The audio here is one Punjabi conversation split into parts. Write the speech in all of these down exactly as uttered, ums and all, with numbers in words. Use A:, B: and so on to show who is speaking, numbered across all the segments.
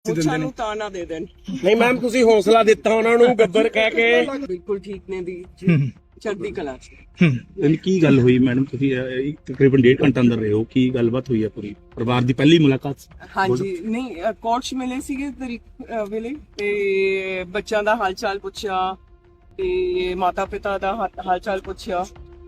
A: ਮੁੱਛਾਂ ਨੂੰ ਤਾਂ ਨਾ ਦੇ ਦੇਣ।
B: ਨਹੀਂ ਮੈਮ ਤੁਸੀਂ ਹੌਸਲਾ ਦਿੱਤਾ ਉਹਨਾਂ ਨੂੰ ਗੱਬਰ ਕਹਿ ਕੇ।
A: ਬਿਲਕੁਲ ਠੀਕ ਨੇ ਦੀ ਜੀ, ਚੜ੍ਹਦੀ ਕਲਾ ਚ।
C: ਹੂੰ ਕੀ ਗੱਲ ਹੋਈ ਮੈਡਮ, ਤੁਸੀਂ ਅਹ, ਤਕਰੀਬਨ ਡੇਢ ਘੰਟਾ ਅੰਦਰ ਰਹੇ ਹੋ, ਕੀ ਗੱਲਬਾਤ ਹੋਈ ਹੈ ਪੂਰੀ? ਪਰਿਵਾਰ ਦੀ ਪਹਿਲੀ ਮੁਲਾਕਾਤ ਸੀ?
A: ਹਾਂਜੀ, ਨਹੀਂ ਕੋਰਟ ਚ ਮਿਲੇ ਸੀਗੇ ਤਰੀਕ ਅ, ਵੇਲੇ ਤੇ ਬੱਚਿਆਂ ਦਾ ਹਾਲ ਚਾਲ ਪੁੱਛਿਆ ਤੇ ਮਾਤਾ ਪਿਤਾ ਦਾ ਹਾ- ਹਾਲ ਚਾਲ ਪੁੱਛਿਆ।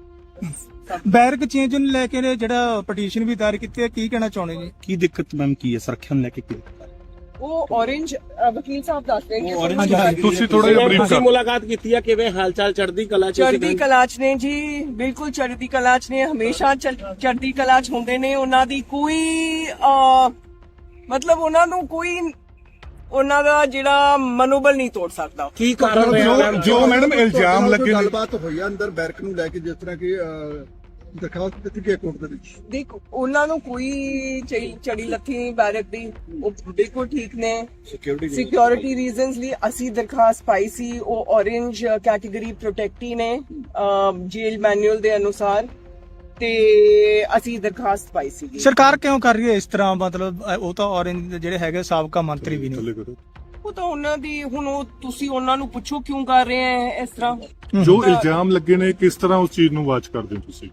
D: ਬੈਰਕ ਚੇਂਜ ਨੂੰ ਲੈ ਕੇ ਨੇ ਜਿਹੜਾ ਪਟੀਸ਼ਨ ਵੀ ਦਾਇਰ ਕੀਤੀ ਹੈ, ਕੀ ਕਹਿਣਾ ਚਾਹੁੰਦੇ ਜੀ?
C: ਕੀ ਦਿੱਕਤ ਮੈਮ ਕੀ ਹੈ, ਸੁਰੱਖਿਆ ਨੂੰ ਲੈ ਕੇ ਕੀ ਦਿੱਕਤ ਹੈ?
A: ਉਹ orange ਅ, ਵਕੀਲ ਸਾਹਿਬ ਦੱਸ ਰਹੇ ਨੇ।
D: ਹਾਂਜੀ, ਹਾਂਜੀ,
E: ਤੁਸੀਂ ਥੋੜਾ ਜਿਹਾ ਬਰੀਫ
B: ਤੁਸੀਂ
E: ਕਰ
B: ਮੁਲਾਕਾਤ ਕੀਤੀ ਆ, ਕਿਵੇਂ ਹਾਲ ਚਾਲ ਚੜ੍ਹਦੀ ਕਲਾ ਚ?
A: ਚੜ੍ਹਦੀ ਕਲਾ ਚ ਨੇ ਜੀ, ਬਿਲਕੁਲ ਚੜ੍ਹਦੀ ਕਲਾ ਚ ਨੇ, ਹਮੇਸ਼ਾ ਚੜ੍ਹ- ਚੜ੍ਹਦੀ ਕਲਾ ਚ ਹੁੰਦੇ ਨੇ। ਉਹਨਾਂ ਦੀ ਕੋਈ ਅ, ਮਤਲਬ ਉਹਨਾਂ ਨੂੰ ਕੋਈ ਉਹਨਾਂ ਦਾ ਜਿਹੜਾ ਮਨੋਬਲ ਨਹੀਂ ਤੋੜ ਸਕਦਾ।
B: ਕੀ ਕਾਰਨ ਰਿਹਾ ਮੈਮ?
E: ਜੋ ਜੋ ਮੈਡਮ ਇਲਜ਼ਾਮ ਲੱਗੇ ਨੇ,
F: ਗੱਲਬਾਤ ਹੋਈ ਆ ਅੰਦਰ ਬੈਰਕ ਨੂੰ ਲੈ ਕੇ, ਜਿਸ ਤਰ੍ਹਾਂ ਕਿ ਅਹ, ਦਰਖਾਸਤ ਦਿੱਤੀ ਗਈ ਕੋਰਟ ਦੇ ਵਿੱਚ।
A: ਦੇਖ ਉਹਨਾਂ ਨੂੰ ਕੋਈ ਚੜੀ- ਚੜੀ ਲੱਥੀ ਨਹੀਂ ਬੈਰਕ ਦੀ, ਉਹ ਬਿਲਕੁਲ ਠੀਕ ਨੇ। ਸਿਕਿਉਰਿਟੀ ਰੀਜ਼ਨਸ ਲਈ ਅਸੀਂ ਦਰਖਾਸਤ ਪਾਈ ਸੀ, ਉਹ orange ਕੈਟਾਗਰੀ ਪ੍ਰੋਟੈਕਟੀ ਨੇ ਜੇਲ ਮੈਨੂਅਲ ਦੇ ਅਨੁਸਾਰ, ਤੇ ਅਸੀਂ ਦਰਖਾਸਤ ਪਾਈ ਸੀ।
D: ਸਰਕਾਰ ਕਿਉਂ ਕਰ ਰਹੀ ਹੈ ਇਸ ਤਰ੍ਹਾਂ? ਮਤਲਬ ਅ, ਉਹ ਤਾਂ ਔਰੰਜ ਜਿਹੜੇ ਹੈਗੇ ਸਾਬਕਾ ਮੰਤਰੀ ਵੀ ਨੇ।
A: ਉਹ ਤਾਂ ਉਹਨਾਂ ਦੀ, ਹੁਣ ਉਹ ਤੁਸੀਂ ਉਹਨਾਂ ਨੂੰ ਪੁੱਛੋ ਕਿਉਂ ਕਰ ਰਹੇ ਹੈ ਇਸ ਤਰ੍ਹਾਂ।
E: ਜੋ ਇਲਜ਼ਾਮ ਲੱਗੇ ਨੇ ਕਿਸ ਤਰ੍ਹਾਂ ਉਸ ਚੀਜ਼ ਨੂੰ ਵਾਚ ਕਰਦੇ ਹੋ ਤੁਸੀਂ?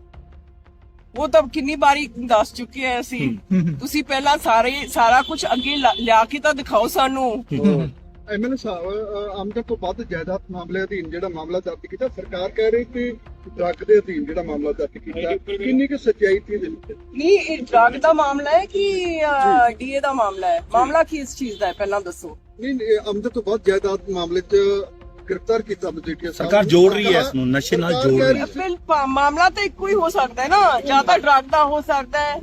A: ਉਹ ਤਾਂ ਕਿੰਨੀ ਵਾਰੀ ਦੱਸ ਚੁੱਕੇ ਆ ਅਸੀਂ। ਤੁਸੀਂ ਪਹਿਲਾਂ ਸਾਰੇ ਸਾਰਾ ਕੁਝ ਅੱਗੇ ਲਾ- ਲਿਆ ਕੇ ਤਾਂ ਦਿਖਾਓ ਸਾਨੂੰ।
F: ਐਮਐਲਏ ਸਾਹਿਬ, ਅਹ, ਆਮਦਨ ਤੋਂ ਵੱਧ ਜਾਇਦਾਦ ਮਾਮਲੇ ਅਧੀਨ ਜਿਹੜਾ ਮਾਮਲਾ ਦਰਜ ਕੀਤਾ, ਸਰਕਾਰ ਕਹਿ ਰਹੀ ਕਿ ਡਰੱਗ ਦੇ ਅਧੀਨ ਜਿਹੜਾ ਮਾਮਲਾ ਦਰਜ ਕੀਤਾ, ਕਿੰਨੀ ਕੁ ਸੱਚਾਈ ਸੀ ਇਹਦੇ ਵਿੱਚ?
A: ਨਹੀਂ, ਇਹ ਡਰਗ ਦਾ ਮਾਮਲਾ ਹੈ ਕਿ ਡੀਏ ਦਾ ਮਾਮਲਾ ਹੈ? ਮਾਮਲਾ ਕੀ ਇਸ ਚੀਜ਼ ਦਾ ਹੈ ਪਹਿਲਾਂ ਦੱਸੋ।
F: ਨਹੀਂ, ਇਹ ਆਮਦਨ ਤੋਂ ਵੱਧ ਜਾਇਦਾਦ ਮਾਮਲੇ 'ਚ ਗ੍ਰਿਫਤਾਰ ਕੀਤਾ ਮਜੀਠੀਆ ਸਾਹਿਬ
C: ਸਰਕਾਰ
F: ਨੂੰ।
C: ਜੋੜ ਰਹੀ ਹੈ ਇਸ ਨੂੰ, ਨਸ਼ੇ ਨਾਲ
F: ਸਰਕਾਰ
C: ਜੋੜ
F: ਕਹਿ
C: ਰਹੀ ਹੈ।
A: ਫਿਰ ਪਾ- ਮਾਮਲਾ ਤਾਂ ਇੱਕੋ ਹੀ ਹੋ ਸਕਦਾ ਹੈ ਨਾ, ਜਾਂ ਤਾਂ ਡਰਗ ਦਾ ਹੋ ਸਕਦਾ ਹੈ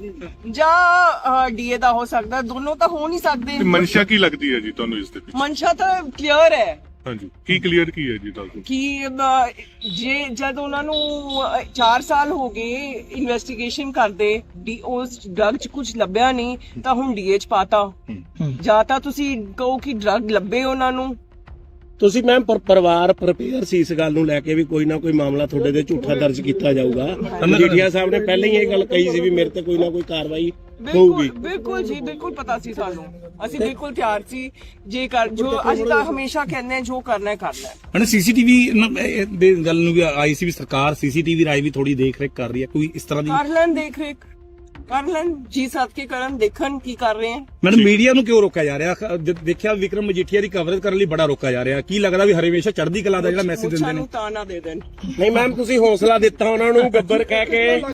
A: ਜਾਂ ਡੀਏ ਦਾ ਹੋ ਸਕਦਾ ਹੈ, ਦੋਨੋਂ ਤਾਂ ਹੋ ਨਹੀਂ ਸਕਦੇ।
E: ਤੇ ਮਨਸ਼ਾ ਕੀ ਲੱਗਦੀ ਹੈ ਜੀ ਤੁਹਾਨੂੰ ਇਸ ਦੇ ਵਿੱਚ?
A: ਮਨਸ਼ਾ ਤਾਂ ਕਲੀਅਰ ਹੈ
E: ਹਾਂਜੀ, ਕੀ ਕਲੀਅਰ ਕੀ ਹੈ ਜੀ ਦੱਸ ਦਿਓ।
A: ਕਿ ਅਹ, ਜੇ ਜਦ ਉਹਨਾਂ ਨੂੰ ਚਾਰ ਸਾਲ ਹੋ ਗਏ ਇਨਵੈਸਟੀਗੇਸ਼ਨ ਕਰਦੇ, ਡੀ ਉਸ ਡਰਗ 'ਚ ਕੁਝ ਲੱਭਿਆ ਨਹੀਂ ਤਾਂ ਹੁਣ ਡੀਏ 'ਚ ਪਾਤਾ। ਜਾਂ ਤਾਂ ਤੁਸੀਂ ਕਹੋ ਕਿ ਡਰਗ ਲੱਭੇ ਉਹਨਾਂ ਨੂੰ।
B: ਤੁਸੀਂ ਮੈਮ ਪਰ ਪਰਿਵਾਰ ਪ੍ਰਪੇਅਰ ਸੀ ਇਸ ਗੱਲ ਨੂੰ ਲੈ ਕੇ ਵੀ ਕੋਈ ਨਾ ਕੋਈ ਮਾਮਲਾ ਤੁਹਾਡੇ ਤੇ ਝੂਠਾ ਦਰਜ ਕੀਤਾ ਜਾਊਗਾ? ਮਜੀਠੀਆ ਸਾਹਿਬ ਨੇ ਪਹਿਲਾਂ ਹੀ ਇਹ ਗੱਲ ਕਹੀ ਸੀ ਵੀ ਮੇਰੇ ਤੇ ਕੋਈ ਨਾ ਕੋਈ ਕਾਰਵਾਈ ਹੋਊਗੀ।
A: ਬਿਲਕੁਲ ਬਿਲਕੁਲ ਜੀ, ਬਿਲਕੁਲ ਪਤਾ ਸੀ ਸਾਨੂੰ, ਅਸੀਂ ਬਿਲਕੁਲ ਤਿਆਰ ਸੀ। ਜੇ ਕਰ ਜੋ ਅਸੀਂ ਤਾਂ ਹਮੇਸ਼ਾ ਕਹਿੰਦੇ ਹਾਂ, ਜੋ ਕਰਨਾ ਹੈ ਕਰਨਾ ਹੈ।
C: ਹਣ ਸੀਸੀਟੀਵੀ ਦੇ ਗੱਲ ਨੂੰ ਵੀ ਆਈ ਸੀ ਵੀ ਸਰਕਾਰ ਸੀਸੀਟੀਵੀ ਰਾਈ ਵੀ ਥੋੜੀ ਦੇਖ ਰੇਖ ਕਰ ਰਹੀ ਹੈ, ਕੋਈ ਇਸ ਤਰ੍ਹਾਂ ਦੀ?
A: ਕਰ ਲੈਣ ਦੇਖ ਰੇਖ, ਕਰ ਲੈਣ ਜੀ ਸੱਦ ਕੇ ਕਰਨ, ਦੇਖਣ ਕੀ ਕਰ ਰਹੇ ਹੈ।
C: ਮੈਡਮ ਮੀਡੀਆ ਨੂੰ ਕਿਉਂ ਰੋਕਿਆ ਜਾ ਰਿਹਾ? ਖ- ਜ- ਦੇਖਿਆ ਵਿਕਰਮ ਮਜੀਠੀਆ ਦੀ ਕਵਰੇਜ ਕਰਨ ਲਈ ਬੜਾ ਰੋਕਿਆ ਜਾ ਰਿਹਾ, ਕੀ ਲੱਗਦਾ ਵੀ ਹਰੇਵੇਸ਼ਾ ਚੜ੍ਹਦੀ ਕਲਾ ਦਾ ਜਿਹੜਾ ਮੈਸੇਜ ਦਿੰਦੇ
A: ਮੁੱਛਾਂ
C: ਨੇ?
A: ਨੂੰ ਤਾਂ ਨਾ ਦੇ ਦੇਣ।
B: ਨਹੀਂ ਮੈਮ ਤੁਸੀਂ ਹੌਸਲਾ ਦਿੱਤਾ ਉਹਨਾਂ ਨੂੰ ਗੱਬਰ ਕਹਿ ਕੇ।